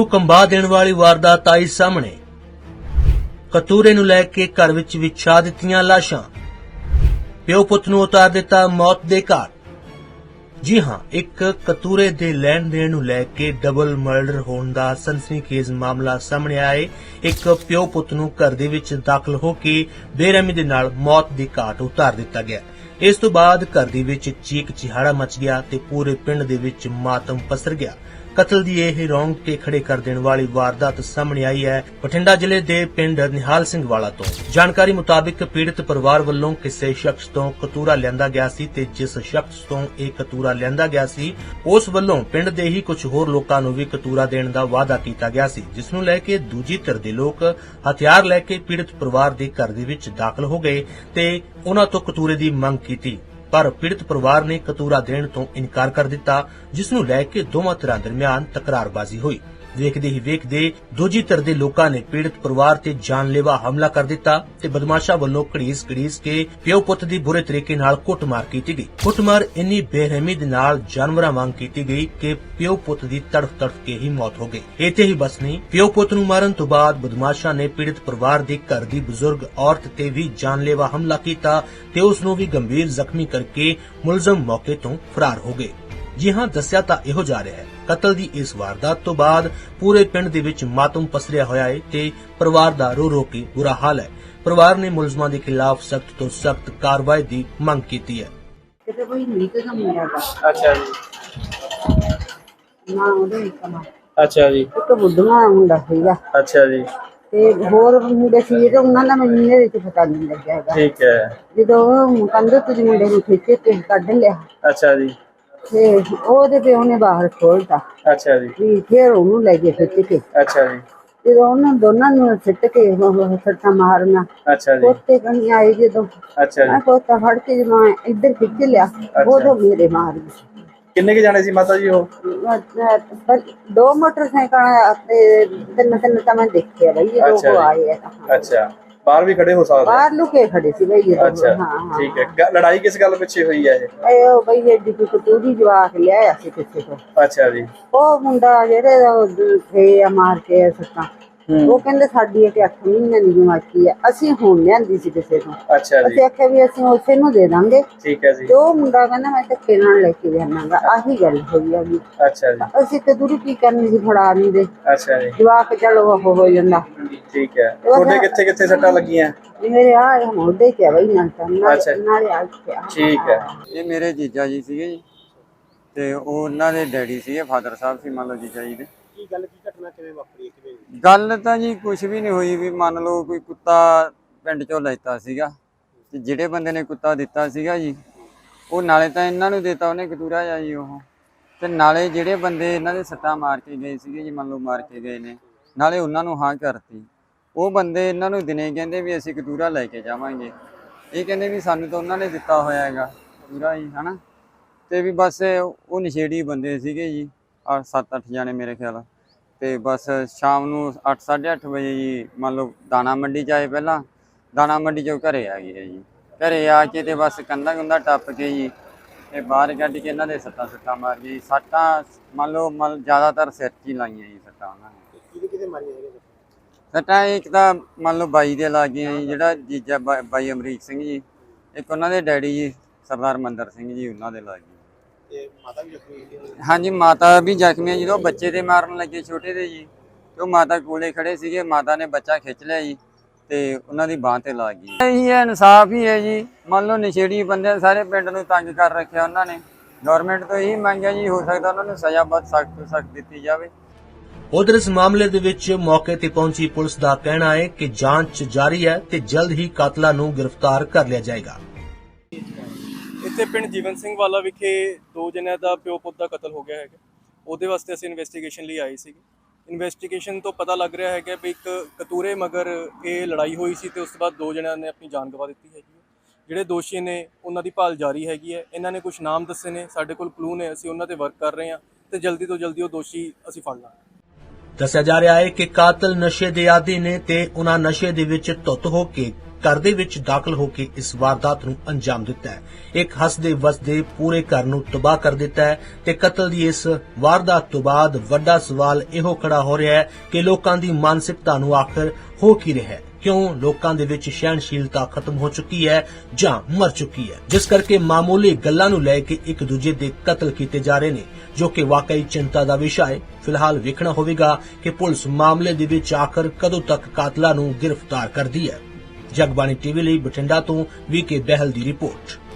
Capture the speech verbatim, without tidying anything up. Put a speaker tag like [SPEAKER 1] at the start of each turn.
[SPEAKER 1] ਕੰਬਾ ਦੇਣ ਵਾਲੀ ਵਾਰਦਾਤ ਆਈ ਸਾਹਮਣੇ। ਕਤੂਰੇ ਨੂੰ ਲੈ ਕੇ ਘਰ ਵਿੱਚ ਵਿਛਾ ਦਿੱਤੀਆਂ ਲਾਸ਼ਾਂ। ਪਿਓ ਪੁੱਤ ਨੂੰ ਉਤਾਰ ਦਿੱਤਾ ਮੌਤ ਦੇ ਘਾਟ। ਜੀ ਹਾਂ, ਇੱਕ ਕਤੂਰੇ ਦੇ ਲੈਣ ਦੇਣ ਨੂੰ ਲੈ ਕੇ ਡਬਲ ਮਰਡਰ ਹੋਣ ਦਾ ਸਨਸਨੀਖੇਜ਼ ਮਾਮਲਾ ਸਾਹਮਣੇ ਆਇਆ। ਇੱਕ ਪਿਓ ਪੁੱਤ ਨੂੰ ਘਰ ਦੇ ਵਿੱਚ ਦਾਖਲ ਹੋ ਕੇ ਬੇਰਹਿਮੀ ਦੇ ਨਾਲ ਮੌਤ ਦੀ ਘਾਟ ਉਤਾਰ ਦਿੱਤਾ ਗਿਆ। ਇਸ ਤੋਂ ਬਾਅਦ ਘਰ ਦੇ ਵਿੱਚ ਚੀਕ ਚਿਹਾੜਾ ਮਚ ਗਿਆ ਤੇ ਪੂਰੇ ਪਿੰਡ ਦੇ ਵਿੱਚ ਮਾਤਮ ਪਸਰ ਗਿਆ। ਕਤਲ ਦੀ ਇਹ ਰੌਂਗਟੇ ਖੜੇ ਕਰ ਦੇਣ ਵਾਲੀ ਵਾਰਦਾਤ ਸਾਹਮਣੇ ਆਈ ਹੈ ਬਠਿੰਡਾ ਜ਼ਿਲ੍ਹੇ ਦੇ ਪਿੰਡ ਨਿਹਾਲ ਸਿੰਘ ਵਾਲਾ ਤੋਂ। ਜਾਣਕਾਰੀ ਮੁਤਾਬਿਕ ਪੀੜਤ ਪਰਿਵਾਰ ਵੱਲੋਂ ਕਿਸੇ ਸ਼ਖਸ ਤੋਂ ਕਤੂਰਾ ਲਿਆਂਦਾ ਗਿਆ ਸੀ ਤੇ ਜਿਸ ਸ਼ਖਸ ਤੋਂ ਇਹ ਕਤੂਰਾ ਲਿਆਂਦਾ ਗਿਆ ਸੀ ਉਸ ਵੱਲੋਂ ਪਿੰਡ ਦੇ ਹੀ ਕੁਝ ਹੋਰ ਲੋਕਾਂ ਨੂੰ ਵੀ ਕਤੂਰਾ ਦੇਣ ਦਾ ਵਾਅਦਾ ਕੀਤਾ ਗਿਆ ਸੀ, ਜਿਸ ਨੂੰ ਲੈ ਕੇ ਦੂਜੀ ਧਿਰ ਦੇ ਲੋਕ ਹਥਿਆਰ ਲੈ ਕੇ ਪੀੜਤ ਪਰਿਵਾਰ ਦੇ ਘਰ ਦੇ ਵਿੱਚ ਦਾਖਲ ਹੋ ਗਏ ਤੇ ਉਹਨਾਂ ਤੋਂ ਕਤੂਰੇ ਦੀ ਮੰਗ ਕੀਤੀ। ਪਰ ਪੀੜਤ ਪਰਿਵਾਰ ਨੇ ਕਤੂਰਾ ਦੇਣ ਤੋਂ ਇਨਕਾਰ ਕਰ ਦਿੱਤਾ, ਜਿਸ ਨੂੰ ਲੈ ਕੇ ਦੋਵਾਂ ਧਿਰਾਂ ਦਰਮਿਆਨ ਤਕਰਾਰਬਾਜ਼ੀ ਹੋਈ। ਵੇਖਦੇ ਹੀ ਵੇਖਦੇ ਦੂਜੀ ਧਿਰ ਦੇ ਲੋਕਾਂ ਨੇ ਪੀੜਤ ਪਰਿਵਾਰ ਤੇ ਜਾਨਲੇਵਾ ਹਮਲਾ ਕਰ ਦਿੱਤਾ ਤੇ ਬਦਮਾਸ਼ਾਂ ਵੱਲੋਂ ਘੜੀਸ ਘੜੀਸ ਕੇ ਪਿਓ ਪੁੱਤ ਦੀ ਬੁਰੇ ਤਰੀਕੇ ਨਾਲ ਕੁੱਟਮਾਰ ਕੀਤੀ ਗਈ। ਕੁੱਟਮਾਰ ਇੰਨੀ ਬੇਰਹਿਮੀ ਦੇ ਨਾਲ ਜਾਨਵਰਾਂ ਵਾਂਗ ਕੀਤੀ ਗਈ ਕਿ ਪਿਓ ਪੁੱਤ ਦੀ ਤੜਫ ਤੜਫ ਕੇ ਹੀ ਮੌਤ ਹੋ ਗਈ। ਇੱਥੇ ਹੀ ਬਸ ਨਹੀਂ, ਪਿਓ ਪੁੱਤ ਨੂੰ ਮਾਰਨ ਤੋਂ ਬਾਅਦ ਬਦਮਾਸ਼ਾਂ ਨੇ ਪੀੜਤ ਪਰਿਵਾਰ ਦੇ ਘਰ ਦੀ ਬਜ਼ੁਰਗ ਔਰਤ ਤੇ ਵੀ ਜਾਨਲੇਵਾ ਹਮਲਾ ਕੀਤਾ ਤੇ ਉਸ ਨੂੰ ਵੀ ਗੰਭੀਰ ਜ਼ਖਮੀ ਕਰਕੇ ਮੁਲਜ਼ਮ ਮੌਕੇ ਤੋਂ ਫਰਾਰ ਹੋ ਗਏ। ਜੀ ਹਾਂ, ਦੱਸਿਆ ਤਾਂ ਇਹੋ ਜਾ ਰਿਹਾ ਹੈ। ਕਤਲ ਦੀ ਇਸ ਵਾਰਦਾਤ ਤੋਂ ਬਾਅਦ ਪੂਰੇ ਪਿੰਡ ਦੇ ਵਿੱਚ ਮਾਤਮ ਪਸਰਿਆ ਹੋਇਆ ਹੈ ਤੇ ਪਰਿਵਾਰ ਦਾ ਰੋ ਰੋ ਕੇ ਬੁਰਾ ਹਾਲ ਹੈ। ਪਰਿਵਾਰ ਨੇ ਮੁਲਜ਼ਮਾਂ ਦੇ ਖਿਲਾਫ ਸਖਤ ਤੋਂ ਸਖਤ ਕਾਰਵਾਈ ਦੀ ਮੰਗ ਕੀਤੀ ਹੈ।
[SPEAKER 2] ਕਿਤੇ ਕੋਈ ਨੀਕ ਕੰਮ ਨਹੀਂ ਹੈਗਾ।
[SPEAKER 3] ਅੱਛਾ ਜੀ।
[SPEAKER 2] ਨਾ ਉਹਦੇ ਕਮਾ
[SPEAKER 3] ਅੱਛਾ ਜੀ।
[SPEAKER 2] ਇੱਕ ਬੁੱਢਾ ਮੁੰਡਾ ਸੀਗਾ
[SPEAKER 3] ਅੱਛਾ ਜੀ।
[SPEAKER 2] ਤੇ ਹੋਰ ਮੁੰਡੇ ਸੀ ਤੇ ਉਹਨਾਂ ਦਾ ਮੈਨੂੰ ਇਹਦੇ ਵਿੱਚ ਪਤਾ ਨਹੀਂ ਲੱਗਿਆ ਹੈਗਾ।
[SPEAKER 3] ਠੀਕ ਹੈ।
[SPEAKER 2] ਜਦੋਂ ਕੰਧ ਤੋਂ ਮੁੰਡੇ ਨੂੰ ਖਿੱਚ ਕੇ ਕੱਢ ਲਿਆ
[SPEAKER 3] ਅੱਛਾ ਜੀ।
[SPEAKER 2] ਤੇ ਉਹਦੇ ਪਿਓ ਨੇ ਬਾਹਰ ਖੋਲਤਾ।
[SPEAKER 3] ਅੱਛਾ ਜੀ।
[SPEAKER 2] ਵੀ ਫਿਰ ਉਹਨੂੰ ਲੈ ਕੇ ਖਿੱਚ ਕੇ
[SPEAKER 3] ਅੱਛਾ ਜੀ।
[SPEAKER 2] ਜਦੋਂ ਉਹਨਾਂ ਦੋਨਾਂ ਨੂੰ ਸਿੱਟ ਕੇ ਉਹ ਸੱਟਾਂ ਮਾਰਨਾ।
[SPEAKER 3] ਅੱਛਾ ਜੀ।
[SPEAKER 2] ਕੋਤੇ ਕਣੀ ਆਏ ਜਦੋਂ
[SPEAKER 3] ਅੱਛਾ ਜੀ।
[SPEAKER 2] ਮੈਂ ਕੋਤਾ ਫੜ ਕੇ ਜਦੋਂ ਮੈਂ ਇੱਧਰ ਖਿੱਚ ਲਿਆ ਉਦੋਂ ਮੇਰੇ ਮਾਰ ਗਈ।
[SPEAKER 3] ਕਿੰਨੇ ਕੇ ਜਾਣੇ ਸੀ ਮਾਤਾ ਜੀ ਉਹ?
[SPEAKER 2] ਦੋ ਮੋਟਰਸਾਈਕਲ ਤੇ ਤਿੰਨ ਤਿੰਨ ਤਾਂ ਮੈਂ ਦੇਖਿਆ ਬਈ ਇਹ ਲੋਕ ਆਏ ਆ।
[SPEAKER 3] ਅੱਛਾ, ਬਾਹਰ ਵੀ ਖੜੇ ਹੋ ਸਕਦੇ?
[SPEAKER 2] ਬਾਹਰ ਲੁਕੇ ਖੜੇ ਸੀ ਬਈ ਇਹ।
[SPEAKER 3] ਅੱਛਾ, ਠੀਕ ਹੈ। ਲੜਾਈ ਕਿਸ ਗੱਲ ਪਿੱਛੇ ਹੋਈ ਹੈ ਇਹ?
[SPEAKER 2] ਇਹ ਬਈ ਇਹ ਦੀ ਕਤੂਰੀ ਜਵਾਕ ਲਿਆਇਆ ਸੀ ਕਿਸੇ ਤੋਂ।
[SPEAKER 3] ਅੱਛਾ ਜੀ।
[SPEAKER 2] ਉਹ ਮੁੰਡਾ ਜਿਹੜੇ ਥੇ ਆ ਮਾਰ ਕੇ ਸੱਤਾਂ, ਉਹ ਕਹਿੰਦੇ ਸਾਡੀ ਇੱਕ ਅੱਠ ਮਹੀਨੇ ਦੀ ਜਮਾਕੀ ਆ, ਅਸੀਂ ਹੁਣ ਲਿਆਂਦੀ ਸੀ ਕਿਸੇ ਤੋਂ।
[SPEAKER 3] ਅੱਛਾ ਜੀ।
[SPEAKER 2] ਅਸੀਂ ਆਖਿਆ ਵੀ ਅਸੀਂ ਉਸੇ ਨੂੰ ਦੇ ਦਾਂਗੇ।
[SPEAKER 3] ਠੀਕ ਹੈ ਜੀ।
[SPEAKER 2] ਤੇ ਉਹ ਮੁੰਡਾ ਕਹਿੰਦਾ ਮੈਂ ਧੱਕੇ ਨਾਲ ਲੈ ਕੇ ਜਾਣਾਗਾ। ਆਹੀ ਗੱਲ ਹੋਈ ਆ ਵੀ।
[SPEAKER 3] ਅੱਛਾ ਜੀ।
[SPEAKER 2] ਅਸੀਂ ਕਤੂਰੀ ਕੀ ਕਰਨੀ ਸੀ, ਫੜਾ ਨਹੀਂ ਦੇ।
[SPEAKER 3] ਅੱਛਾ ਜੀ।
[SPEAKER 2] ਜਵਾਕ ਚਲੋ ਉਹ ਹੋ ਜਾਂਦਾ।
[SPEAKER 3] ਠੀਕ ਹੈ। ਤੁਹਾਡੇ ਕਿੱਥੇ ਕਿੱਥੇ ਸੱਟਾਂ ਲੱਗੀਆਂ?
[SPEAKER 2] ਮੇਰੇ ਆ ਮੋਢੇ ਤੇ ਬਈ ਨਾਲ ਨਾਲੇ ਆ।
[SPEAKER 3] ਠੀਕ ਹੈ।
[SPEAKER 4] ਇਹ ਮੇਰੇ ਜੀਜਾ ਜੀ ਸੀਗੇ ਜੀ ਤੇ ਉਹ ਉਹਨਾਂ ਦੇ ਡੈਡੀ ਸੀਗੇ, ਫਾਦਰ ਸਾਹਿਬ ਸੀ ਮੰਨ ਲਓ ਜੀਜਾ ਜੀ ਦੇ।
[SPEAKER 3] ਕੀ ਗੱਲ, ਕੀ ਘਟਨਾ ਕਿਵੇਂ ਵਾਪਰੀ? ਕਿਵੇਂ
[SPEAKER 4] ਗੱਲ ਤਾਂ ਜੀ ਕੁਝ ਵੀ ਨਹੀਂ ਹੋਈ। ਵੀ ਮੰਨ ਲਓ ਕੋਈ ਕੁੱਤਾ ਪਿੰਡ ਚੋਂ ਲੈਤਾ ਸੀਗਾ ਤੇ ਜਿਹੜੇ ਬੰਦੇ ਨੇ ਕੁੱਤਾ ਦਿੱਤਾ ਸੀਗਾ ਜੀ ਉਹ ਨਾਲੇ ਤਾਂ ਇਹਨਾਂ ਨੂੰ ਦਿੱਤਾ ਉਹਨੇ ਕਤੂਰਾ ਜਾ ਜੀ ਉਹ, ਤੇ ਨਾਲੇ ਜਿਹੜੇ ਬੰਦੇ ਇਹਨਾਂ ਦੇ ਸੱਟਾਂ ਮਾਰ ਕੇ ਗਏ ਸੀਗੇ ਜੀ, ਮੰਨ ਲਓ ਮਾਰ ਕੇ ਗਏ ਨੇ, ਨਾਲੇ ਉਹਨਾਂ ਨੂੰ ਹਾਂ ਕਰਤੀ। ਉਹ ਬੰਦੇ ਇਹਨਾਂ ਨੂੰ ਦਿਨੇ ਕਹਿੰਦੇ ਵੀ ਅਸੀਂ ਕਤੂਰਾ ਲੈ ਕੇ ਜਾਵਾਂਗੇ। ਇਹ ਕਹਿੰਦੇ ਵੀ ਸਾਨੂੰ ਤਾਂ ਉਹਨਾਂ ਨੇ ਦਿੱਤਾ ਹੋਇਆ ਹੈਗਾ ਕਤੂਰਾ ਜੀ, ਹਨਾ। ਤੇ ਵੀ ਬਸ ਉਹ ਨਸ਼ੇੜੀ ਬੰਦੇ ਸੀਗੇ ਜੀ, ਅੱਠ ਸੱਤ ਅੱਠ ਜਾਣੇ ਮੇਰੇ ਖਿਆਲ। ਤੇ ਬਸ ਸ਼ਾਮ ਨੂੰ ਅੱਠ ਸਾਢੇ ਅੱਠ ਵਜੇ ਜੀ ਮੰਨ ਲਓ ਦਾਣਾ ਮੰਡੀ 'ਚ ਆਏ। ਪਹਿਲਾਂ ਦਾਣਾ ਮੰਡੀ 'ਚੋਂ ਘਰੇ ਆ ਗਏ ਜੀ। ਘਰੇ ਆ ਕੇ ਤੇ ਬਸ ਕੰਧਾਂ ਕੁੰਧਾਂ ਟੱਪ ਕੇ ਜੀ ਤੇ ਬਾਹਰ ਕੱਢ ਕੇ ਇਹਨਾਂ ਦੇ ਸੱਟਾਂ ਸੁੱਟਾਂ ਮਾਰ ਗਏ। ਸੱਟਾਂ ਮੰਨ ਲਓ ਮੰਨ ਜ਼ਿਆਦਾਤਰ ਸਿਰ 'ਚ ਹੀ ਲਾਈਆਂ ਜੀ ਸੱਟਾਂ ਉਹਨਾਂ ਨੇ।
[SPEAKER 3] ਕਿਹਦੇ ਕਿਹਦੇ ਮਾਰੀਆਂ ਹੈਗੇ
[SPEAKER 4] ਸੱਟਾਂ? ਇੱਕ ਤਾਂ ਮੰਨ ਲਓ ਬਾਈ ਦੇ ਲੱਗ ਗਈਆਂ ਜੀ, ਜਿਹੜਾ ਜੀਜਾ ਬਾਈ ਅਮਰੀਕ ਸਿੰਘ ਜੀ। ਇੱਕ ਉਹਨਾਂ ਦੇ ਡੈਡੀ ਜੀ ਸਰਦਾਰ ਮੰਦਰ ਸਿੰਘ ਜੀ, ਉਹਨਾਂ ਦੇ ਲੱਗ ਗਈ।
[SPEAKER 3] ਤੇ ਮਾਤਾ ਵੀ ਜ਼ਖਮੀ ਹੋਈ?
[SPEAKER 4] ਹਾਂਜੀ, ਮਾਤਾ ਵੀ ਜ਼ਖਮੀ ਹੈ। ਜਦੋਂ ਬੱਚੇ ਤੇ ਮਾਰਨ ਲੱਗੇ ਛੋਟੇ ਦੇ ਜੀ, ਤੇ ਉਹ ਮਾਤਾ ਕੋਲੇ ਖੜੇ ਸੀਗੇ। ਮਾਤਾ ਨੇ ਬੱਚਾ ਖਿੱਚ ਲਿਆ ਜੀ ਤੇ ਉਹਨਾਂ ਦੀ ਬਾਂਹ ਤੇ ਲੱਗ ਗਈ। ਇਹੀ ਹੈ, ਇਨਸਾਫ ਹੀ ਹੈ ਜੀ। ਮੰਨ ਲਓ ਨਸ਼ੇੜੀ ਬੰਦੇ ਸਾਰੇ ਪਿੰਡ ਨੂੰ ਤੰਗ ਕਰ ਰੱਖਿਆ ਉਹਨਾਂ ਨੇ। ਗਵਰਨਮੈਂਟ ਤੋਂ ਇਹੀ ਮੰਗ ਹੈ ਜੀ, ਹੋ ਸਕਦਾ ਉਹਨਾਂ ਨੂੰ ਸਜ਼ਾ ਬਹੁਤ ਸਖਤ ਤੋਂ ਸਖਤ ਦਿੱਤੀ ਜਾਵੇ।
[SPEAKER 1] ਉਧਰ ਇਸ ਮਾਮਲੇ ਦੇ ਵਿੱਚ ਮੌਕੇ ਤੇ ਪਹੁੰਚੀ ਪੁਲਿਸ ਦਾ ਕਹਿਣਾ ਹੈ ਕਿ ਜਾਂਚ ਜਾਰੀ ਹੈ ਤੇ ਜਲਦ ਹੀ ਕਾਤਲਾਂ ਨੂੰ ਗ੍ਰਿਫਤਾਰ ਕਰ ਲਿਆ ਜਾਏਗਾ।
[SPEAKER 5] ਇੱਥੇ ਪਿੰਡ ਜੀਵਨ ਸਿੰਘ ਵਾਲਾ ਵਿਖੇ ਦੋ ਜਣਿਆਂ ਦਾ ਪਿਓ ਪੁੱਤ ਦਾ ਕਤਲ ਹੋ ਗਿਆ ਹੈਗਾ। ਉਹਦੇ ਵਾਸਤੇ ਅਸੀਂ ਇਨਵੈਸਟੀਗੇਸ਼ਨ ਲਈ ਆਏ ਸੀਗੇ। ਇਨਵੈਸਟੀਗੇਸ਼ਨ ਤੋਂ ਪਤਾ ਲੱਗ ਰਿਹਾ ਹੈਗਾ ਵੀ ਇੱਕ ਕਤੂਰੇ ਮਗਰ ਇਹ ਲੜਾਈ ਹੋਈ ਸੀ ਤੇ ਉਸ ਤੋਂ ਬਾਅਦ ਦੋ ਜਣਿਆਂ ਨੇ ਆਪਣੀ ਜਾਨ ਗਵਾ ਦਿੱਤੀ ਹੈਗੀ ਹੈ। ਜਿਹੜੇ ਦੋਸ਼ੀ ਨੇ ਉਹਨਾਂ ਦੀ ਭਾਲ ਜਾਰੀ ਹੈਗੀ ਹੈ। ਇਹਨਾਂ ਨੇ ਕੁਝ ਨਾਮ ਦੱਸੇ ਨੇ, ਸਾਡੇ ਕੋਲ ਕਲੂ ਨੇ, ਅਸੀਂ ਉਹਨਾਂ ਤੇ ਵਰਕ ਕਰ ਰਹੇ ਹਾਂ ਤੇ ਜਲਦੀ ਤੋਂ ਜਲਦੀ ਉਹ ਦੋਸ਼ੀ ਅਸੀਂ ਫੜ ਲਾਂਗੇ।
[SPEAKER 1] ਦੱਸਿਆ ਜਾ ਰਿਹਾ ਹੈ ਕਿ ਕਾਤਲ ਨਸ਼ੇ ਦੇ ਆਦੀ ਨੇ ਤੇ ਉਹਨਾਂ ਨਸ਼ੇ ਦੇ ਵਿੱਚ ਧੁੱਤ ਹੋ ਕੇ ਘਰ ਦੇ ਵਿੱਚ ਦਾਖਲ ਹੋ ਕੇ ਇਸ ਵਾਰਦਾਤ ਨੂੰ ਅੰਜਾਮ ਦਿੱਤਾ ਹੈ। ਇੱਕ ਹੱਸਦੇ ਵਸਦੇ ਪੂਰੇ ਘਰ ਨੂੰ ਤਬਾਹ ਕਰ ਦਿੱਤਾ ਹੈ ਤੇ ਕਤਲ ਦੀ ਇਸ ਵਾਰਦਾਤ ਤੋਂ ਬਾਅਦ ਵੱਡਾ ਸਵਾਲ ਇਹੋ ਖੜਾ ਹੋ ਰਿਹਾ ਹੈ ਕਿ ਲੋਕਾਂ ਦੀ ਮਾਨਸਿਕਤਾ ਨੂੰ ਆਖਰ ਹੋ ਕੀ ਰਿਹਾ ਹੈ। ਕਿਉਂ ਲੋਕਾਂ ਦੇ ਵਿੱਚ ਸਹਿਣਸ਼ੀਲਤਾ ਖਤਮ ਹੋ ਚੁੱਕੀ ਹੈ ਜਾਂ ਮਰ ਚੁੱਕੀ ਹੈ, ਜਿਸ ਕਰਕੇ ਮਾਮੂਲੀ ਗੱਲਾਂ ਨੂੰ ਲੈ ਕੇ ਇੱਕ ਦੂਜੇ ਦੇ ਕਤਲ ਕੀਤੇ ਜਾ ਰਹੇ ਨੇ, ਜੋ ਕਿ ਵਾਕਈ ਚਿੰਤਾ ਦਾ ਵਿਸ਼ਾ ਹੈ। ਫਿਲਹਾਲ ਵੇਖਣਾ ਹੋਵੇਗਾ ਕਿ ਪੁਲਿਸ ਮਾਮਲੇ ਦੇ ਵਿੱਚ ਆਖਰ ਕਦੋਂ ਤੱਕ ਕਾਤਲਾਂ ਨੂੰ ਗ੍ਰਿਫਤਾਰ ਕਰਦੀ ਹੈ। ਜਗਬਾਣੀ ਟੀਵੀ ਲਈ ਬਠਿੰਡਾ ਤੋਂ ਵੀ ਕੇ ਬਹਿਲ ਦੀ ਰਿਪੋਰਟ।